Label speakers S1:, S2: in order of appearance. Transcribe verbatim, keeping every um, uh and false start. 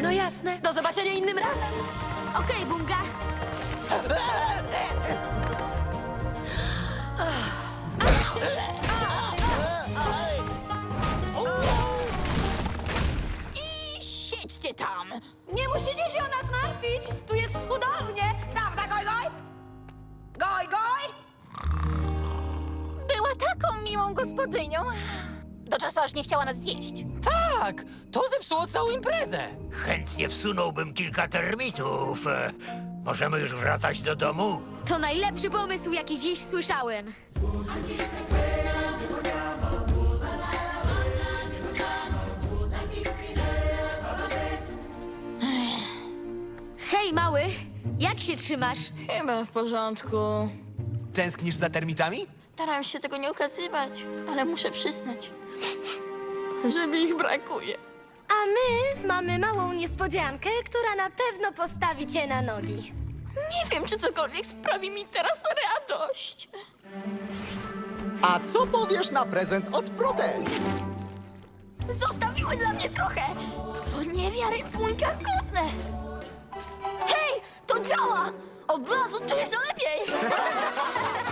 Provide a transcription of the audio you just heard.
S1: No jasne. Do zobaczenia innym razem.
S2: Okej, Bunga.
S3: I siedźcie tam!
S1: Nie musicie się o nas martwić. Tu jest cudownie. Prawda, Goj Goj? Goj Goj?
S2: Była taką miłą gospodynią. Do czasu aż nie chciała nas zjeść.
S4: Tak, to zepsuło całą imprezę.
S5: Chętnie wsunąłbym kilka termitów. E, Możemy już wracać do domu?
S2: To najlepszy pomysł, jaki dziś słyszałem. Hej, mały, jak się trzymasz?
S3: Chyba w porządku.
S4: Tęsknisz za termitami?
S3: Staram się tego nie ukazywać, ale muszę przyznać, że mi ich brakuje.
S6: A my mamy małą niespodziankę, która na pewno postawi cię na nogi.
S3: Nie wiem, czy cokolwiek sprawi mi teraz radość.
S7: A co powiesz na prezent od Brudeli?
S3: Zostawiły dla mnie trochę. To niewiarygodne. Hej, to działa! Od razu czuję się lepiej.